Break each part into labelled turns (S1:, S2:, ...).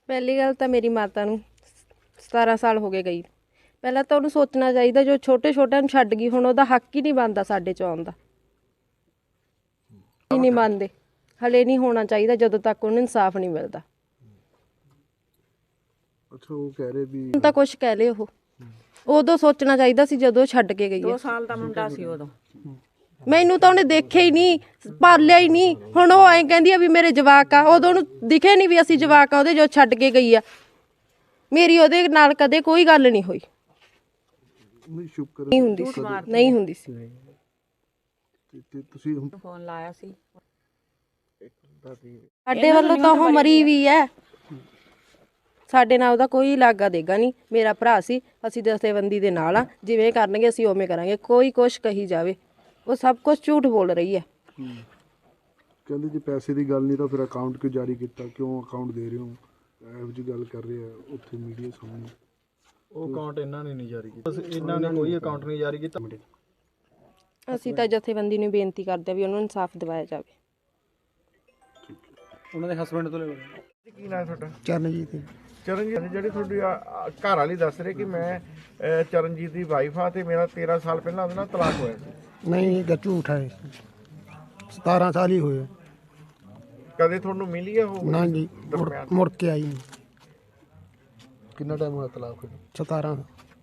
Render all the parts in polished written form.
S1: ਪਹਿਲੀ ਗੱਲ ਤਾਂ ਮੇਰੀ ਮਾਤਾ ਨੂੰ 17 ਸਾਲ ਹੋ ਗਏ ਗਈ। ਪਹਿਲਾਂ ਤਾਂ ਉਹਨੂੰ ਸੋਚਣਾ ਚਾਹੀਦਾ, ਜੋ ਛੋਟੇ ਛੋਟਿਆਂ ਨੂੰ ਛੱਡ ਗਈ, ਹੁਣ ਉਹਦਾ ਹੱਕ ਹੀ ਨਹੀਂ ਬਣਦਾ ਸਾਡੇ 'ਚ ਆਉਣ ਦਾ। ਹੀ ਨਹੀਂ ਮੰਨਦੇ, ਹਲੇ ਨਹੀਂ ਹੋਣਾ ਚਾਹੀਦਾ ਜਦੋਂ ਤੱਕ ਉਹਨੂੰ ਇਨਸਾਫ ਨਹੀਂ ਮਿਲਦਾ।
S2: ਅੱਛਾ, ਉਹ ਕਹਿ ਰਹੇ ਵੀ
S1: ਹੁਣ ਤਾਂ ਕੁਛ ਕਹਿ ਲਏ, ਉਹ ਉਦੋਂ ਸੋਚਣਾ ਚਾਹੀਦਾ ਸੀ ਜਦੋਂ ਛੱਡ ਕੇ ਗਈ ਹੈ।
S3: 2 ਸਾਲ ਦਾ ਮੁੰਡਾ ਸੀ ਉਦੋਂ।
S1: ਮੈਨੂੰ ਤਾਂ ਉਹਨੇ ਦੇਖਿਆ ਹੀ ਨਹੀਂ, ਪਾਲਿਆ ਹੀ ਨਹੀਂ। ਹੁਣ ਉਹ ਐਂ ਕਹਿੰਦੀ ਆ ਵੀ ਮੇਰੇ ਜਵਾਕ ਆ, ਉਦੋਂ ਉਹਨੂੰ ਦਿਖੇ ਨਹੀਂ ਵੀ ਅਸੀਂ ਜਵਾਕ ਆ ਉਹਦੇ, ਜੋ ਛੱਡ ਕੇ ਗਈ ਆ। ਮੇਰੀ ਉਹਦੇ ਨਾਲ ਕਦੇ ਕੋਈ ਗੱਲ ਨਹੀਂ ਹੋਈ,
S2: ਨਹੀਂ ਸ਼ੁਕਰ
S1: ਨਹੀਂ ਹੁੰਦੀ ਸੀ, ਨਹੀਂ ਹੁੰਦੀ ਸੀ।
S2: ਤੇ ਤੁਸੀਂ ਹੁਣ
S3: ਫੋਨ ਲਾਇਆ ਸੀ।
S1: ਸਾਡੇ ਵੱਲੋਂ ਤਾਂ ਉਹ ਮਰੀ ਵੀ ਹੈ, ਸਾਡੇ ਨਾਲ ਉਹਦਾ ਕੋਈ ਲਾਗਾ ਦੇਗਾ ਨਹੀਂ। ਮੇਰਾ ਭਰਾ ਸੀ, ਅਸੀਂ ਦਸਤੇਬੰਦੀ ਦੇ ਨਾਲ ਆ, ਜਿਵੇਂ ਕਰਨਗੇ ਅਸੀਂ ਉਵੇਂ ਕਰਾਂਗੇ। ਕੋਈ ਕੁਛ ਕਹੀ ਜਾਵੇ, ਉਹ ਸਭ ਕੁਝ ਝੂਠ ਬੋਲ ਰਹੀ ਹੈ।
S2: ਕਹਿੰਦੇ ਜੇ ਪੈਸੇ ਦੀ ਗੱਲ ਨਹੀਂ ਤਾਂ ਫਿਰ ਅਕਾਊਂਟ ਕਿਉਂ ਜਾਰੀ ਕੀਤਾ, ਕਿਉਂ ਅਕਾਊਂਟ ਦੇ ਰਹੇ ਹੋ, ਇਹੋ ਜਿਹੀ ਗੱਲ ਕਰ ਰਹੇ ਆ ਉੱਥੇ ਮੀਡੀਆ ਸਾਹਮਣੇ।
S4: ਉਹ ਅਕਾਊਂਟ ਇਹਨਾਂ ਨੇ ਨਹੀਂ ਜਾਰੀ ਕੀਤਾ, ਇਹਨਾਂ ਨੇ ਕੋਈ ਅਕਾਊਂਟ ਨਹੀਂ ਜਾਰੀ ਕੀਤਾ।
S1: ਅਸੀਂ ਤਾਂ ਜਥੇਬੰਦੀ ਨੂੰ ਬੇਨਤੀ ਕਰਦੇ ਆ ਵੀ ਉਹਨੂੰ ਇਨਸਾਫ ਦਿਵਾਇਆ ਜਾਵੇ।
S4: ਉਹਨਾਂ ਦੇ ਹਸਬੰਡ ਤੋਂ ਲੈ
S5: ਕੀ ਨਾਂ ਤੁਹਾਡਾ?
S6: ਚਰਨਜੀਤ
S5: ਚਰਨਜੀਤ। ਜਿਹੜੀ ਤੁਹਾਡੀ ਘਰ ਵਾਲੀ ਦੱਸ ਰਹੇ ਕਿ ਮੈਂ ਚਰਨਜੀਤ ਦੀ ਵਾਈਫ ਆ ਤੇ ਮੇਰਾ 13 ਸਾਲ ਪਹਿਲਾਂ ਉਹਦੇ ਨਾਲ ਤਲਾਕ ਹੋਇਆ ਸੀ।
S6: ਨਹੀਂ, ਇਹ ਝੂਠ ਹੈ। 17 ਸਾਲ ਹੀ ਹੋਏ।
S5: ਕਦੇ ਤੁਹਾਨੂੰ ਮਿਲੀ ਆ ਉਹ?
S6: ਨਾ ਜੀ, ਮੁੜ ਕੇ ਆਈ ਨਹੀਂ।
S2: ਕਿੰਨਾ ਟਾਈਮ ਹੋਇਆ ਤਲਾਕ ਹੋਏ?
S6: 17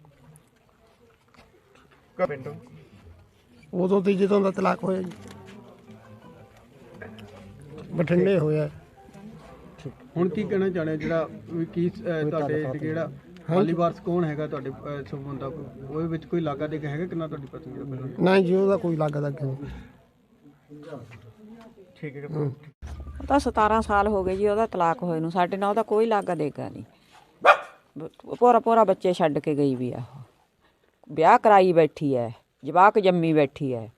S5: ਪਿੰਡੋਂ
S6: ਉਦੋਂ ਤੇ ਜਦੋਂ ਦਾ ਤਲਾਕ ਹੋਇਆ ਜੀ, ਬਠਿੰਡੇ ਹੋਇਆ।
S4: ਹੁਣ ਕੀ ਕਹਿਣਾ ਚਾਹੁੰਦੇ ਜਿਹੜਾ ਵੀ ਕੀ ਤੁਹਾਡੇ ਜਿਹੜਾ ਹਾਲੀ ਵਾਰਸ ਕੌਣ ਹੈਗਾ ਤੁਹਾਡੇ ਸੰਬੰਧ ਦਾ, ਉਹਦੇ ਵਿੱਚ ਕੋਈ ਲਾਗਾ ਦੇ ਹੈਗਾ ਕਿੰਨਾ ਤੁਹਾਡੀ ਪਤਨੀ ਦਾ ਪਹਿਲਾਂ?
S6: ਨਹੀਂ ਜੀ, ਉਹਦਾ ਕੋਈ ਲੱਗਦਾ ਨਹੀਂ।
S5: ਠੀਕ ਹੈ।
S3: ਉਹ ਤਾਂ 17 ਸਾਲ ਹੋ ਗਏ ਜੀ ਉਹਦਾ ਤਲਾਕ ਹੋਏ ਨੂੰ। ਸਾਡੇ ਨਾਲ ਉਹਦਾ ਕੋਈ ਲਾਗਾ ਦੇਗਾ ਨਹੀਂ। ਪੂਰਾ ਬੱਚੇ ਛੱਡ ਕੇ ਗਈ ਵੀ ਆ। ਉਹ ਵਿਆਹ ਕਰਾਈ ਬੈਠੀ ਹੈ, ਜਵਾਕ ਜੰਮੀ ਬੈਠੀ ਹੈ।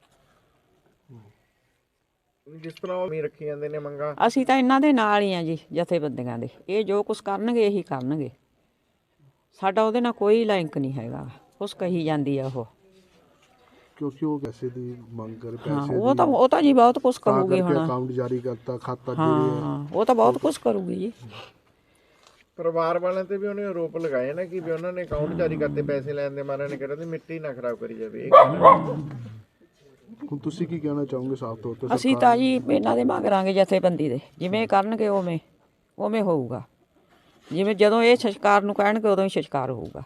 S5: ਜਿਸ ਤਰ੍ਹਾਂ ਉਹ ਵੀ ਰੱਖੀ ਜਾਂਦੇ ਨੇ ਮੰਗਾ,
S3: ਅਸੀਂ ਤਾਂ ਇਹਨਾਂ ਦੇ ਨਾਲ ਹੀ ਆ ਜੀ, ਜਥੇਬੰਦੀਆਂ ਦੇ। ਇਹ ਜੋ ਕੁਛ ਕਰਨਗੇ ਇਹੀ ਕਰਨਗੇ, ਸਾਡਾ ਉਹਦੇ ਨਾਲ ਕੋਈ ਲਿੰਕ ਨਹੀਂ ਹੈਗਾ। ਕੁਛ ਕਹੀ ਜਾਂਦੀ ਆ ਉਹ,
S2: ਕਿਉਂਕਿ ਉਹ ਪੈਸੇ ਦੀ ਮੰਗ ਕਰ
S3: ਹਾਂ।
S2: ਪੈਸੇ
S3: ਉਹ ਤਾਂ ਜੀ ਬਹੁਤ ਕੁਛ ਕਰੂਗੀ ਹੁਣ।
S2: ਅਕਾਊਂਟ ਜਾਰੀ ਕਰਤਾ, ਖਾਤਾ
S3: ਹਾਂ, ਉਹ ਤਾਂ ਬਹੁਤ ਕੁਛ ਕਰੂਗੀ ਜੀ।
S5: ਪਰਿਵਾਰ ਵਾਲਿਆਂ ਤੇ ਵੀ ਉਹਨੇ ਆਰੋਪ ਲਗਾਏ ਨਾ ਕਿ ਵੀ ਉਹਨਾਂ ਨੇ ਅਕਾਊਂਟ ਜਾਰੀ ਕਰਤੇ ਪੈਸੇ ਲੈਣ ਦੇ ਮਾਰੇ ਨੇ। ਕਹਿੰਦੇ ਮਿੱਟੀ ਨਾ ਖਰਾਬ ਕਰੀ ਜਾਵੇ।
S2: ਹੁਣ ਤੁਸੀਂ ਕੀ ਕਹਿਣਾ ਚਾਹੋਗੇ ਸਾਫ਼ ਤੌਰ ਤੇ?
S3: ਅਸੀਂ ਤਾਂ ਜੀ ਇਹਨਾਂ ਦੇ ਮੰਗਾਂਗੇ ਜਥੇਬੰਦੀ ਦੇ, ਜਿਵੇਂ ਕਰਨਗੇ ਉਵੇਂ ਹੋਊਗਾ। ਜਿਵੇਂ ਜਦੋਂ ਇਹ ਸੰਸਕਾਰ ਨੂੰ ਕਹਿਣਗੇ ਉਦੋਂ ਹੀ ਸੰਸਕਾਰ ਹੋਊਗਾ।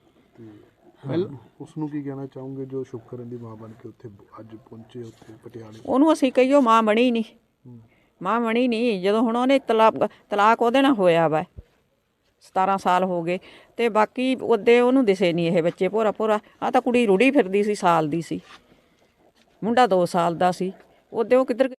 S2: ਉਸ ਨੂੰ ਕੀ ਕਹਿਣਾ ਚਾਹੋਗੇ ਜੋ ਸ਼ੁਕਰਨ ਦੀ ਮਾਂ ਬਣ ਕੇ ਉੱਥੇ ਅੱਜ ਪਹੁੰਚੇ ਉੱਥੇ ਪਟਿਆਲੇ?
S3: ਉਹਨੂੰ ਅਸੀਂ ਕਹੀਓ ਮਾਂ ਬਣੀ ਨਹੀਂ, ਮਾਂ ਬਣੀ ਨਹੀਂ। ਜਦੋਂ ਹੁਣ ਉਹਨੇ ਤਲਾਕ ਉਹਦੇ ਨਾਲ ਹੋਇਆ ਵਾ, 17 ਸਾਲ ਹੋ ਗਏ, ਤੇ ਬਾਕੀ ਉਹਦੇ ਉਹਨੂੰ ਦਿਸੇ ਨਹੀਂ ਇਹ ਬੱਚੇ। ਭੋਰਾ ਆ ਤਾਂ ਕੁੜੀ ਰੁੜੀ ਫਿਰਦੀ ਸੀ, ਸਾਲ ਦੀ ਸੀ। ਮੁੰਡਾ 2 ਸਾਲ ਦਾ ਸੀ। ਉਹਦੇ ਉਹ ਕਿੱਧਰ